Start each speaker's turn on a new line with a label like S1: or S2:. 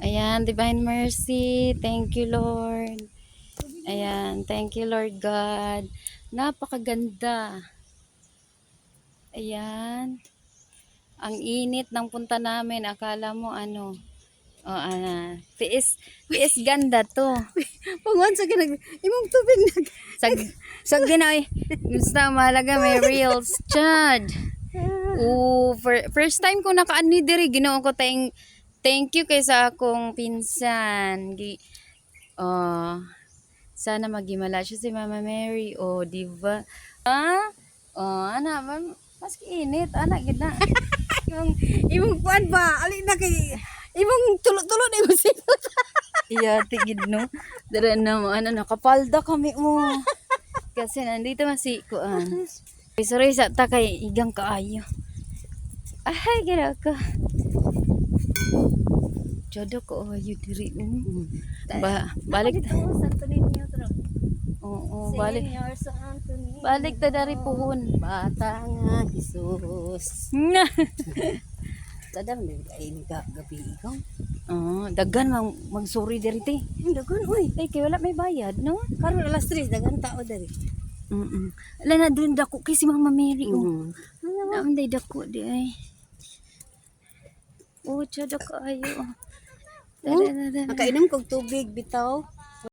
S1: Ayan, Divine Mercy. Thank you, Lord. Ayan, thank you, Lord God. Napakaganda. Ayan. Ang init ng punta namin. Akala mo ano. O, tiis ganda to.
S2: Pangon sa ginag imong tubig nag.
S1: Sag din ay. Gusto mahalaga may reels. Chad. First time ko nakaani diri. Ginoo ko thank you kay sa akong pinsan. Sana magimala siya si Mama Mary. Di ba? Ana, mas init. Ana, gina.
S2: Imong kuan ba? Ali na kay imong tulo-tulo na imong sipot.
S1: Iya, tigid no. Dara na mo, nakapalda kami mo. Kasi nandito masikuan. Sorry sa ta kay igang kaayo. Ay, gira ko. Jodo ko ayo diri. Balik.
S2: Santo Niño tro.
S1: Oo, balik.
S2: Señor Santo Niño.
S1: Balik ta dari puhon.
S2: Bata nga Jesus.
S1: Na.
S2: Tadam din kay ni gabi ikaw.
S1: Dagan magsuri diri ti.
S2: Dagan oy.
S1: Ay, kay wala may bayad, no?
S2: Karon alas 3 dagan tao diri.
S1: Ala na dun dako kay si Mama Mary. Naanday dako di ay. Chodo ko ayo.
S2: Nakainom kog tubig bitaw.